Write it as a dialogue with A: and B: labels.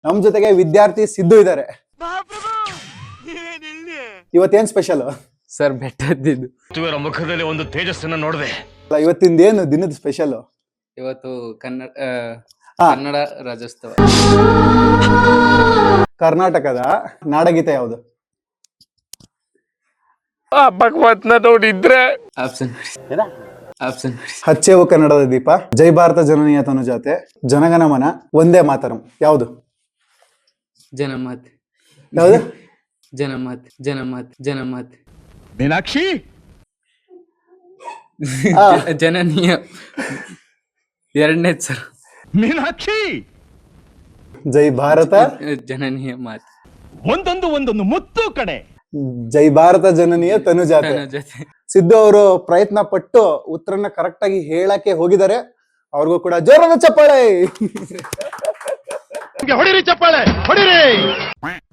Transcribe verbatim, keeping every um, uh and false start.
A: ನಮ್ ಜೊತೆಗೆ ವಿದ್ಯಾರ್ಥಿ ಸಿದ್ದು ಇದ್ದಾರೆ. ಇವತ್ತೇನ್ ಸ್ಪೆಷಲ್
B: ಸರ್? ಬೆಟ್ಟದ್ದು
C: ಮುಖದಲ್ಲಿ ಒಂದು ತೇಜಸ್ಸನ್ನ ನೋಡಿದೆ.
A: ಇವತ್ತಿಂದ ಏನು ದಿನದ ಸ್ಪೆಷಲ್?
B: ಇವತ್ತು ಕನ್ನಡ
A: ಹಾ.
B: ಕನ್ನಡ ರಾಜ್ಯೋತ್ಸವ.
A: ಕರ್ನಾಟಕದ ನಾಡಗೀತೆ ಯಾವುದು?
C: ಭಗವತ್ನ ನೋಡಿದ್ರೆ
B: ಆಪ್ಷನ್ ಆಪ್ಷನ್
A: ಹಚ್ಚೇವು ಕನ್ನಡದ ದೀಪ, ಜೈ ಭಾರತ ಜನನೀಯ ತನುಜಾತೆ, ಜನಗಣ ಮನ, ಒಂದೇ ಮಾತರಂ. ಯಾವುದು
B: ಜನಮತ್
A: ಯಾವುದು?
B: ಜನಮತ್ ಜನಮತ್ ಜನಮತ್
C: ಮೀನಾಕ್ಷಿ
A: ಆ,
B: ಜನನೀಯ ಎರಡನೇ ಸರ್.
C: ಮೀನಾಕ್ಷಿ
A: ಜೈ ಭಾರತ
B: ಜನನೀಯ ಮಾತು.
C: ಒಂದೊಂದು ಒಂದೊಂದು ಮುತ್ತು ಕಡೆ.
A: ಜೈ ಭಾರತ ಜನನೀಯ ತನುಜಾತೆ.
B: ಜೊತೆ
A: ಸಿದ್ದು ಅವರು ಪ್ರಯತ್ನ ಪಟ್ಟು ಉತ್ತರನ ಕರೆಕ್ಟ್ ಆಗಿ ಹೇಳಕ್ಕೆ ಹೋಗಿದ್ದಾರೆ. ಅವ್ರಿಗೂ ಕೂಡ ಜೋರಾದ ಚಪ್ಪಾಳೆ.
C: ಹೊಡಿರಿ ಚಪ್ಪಾಳೆ ಹೊಡಿರಿ.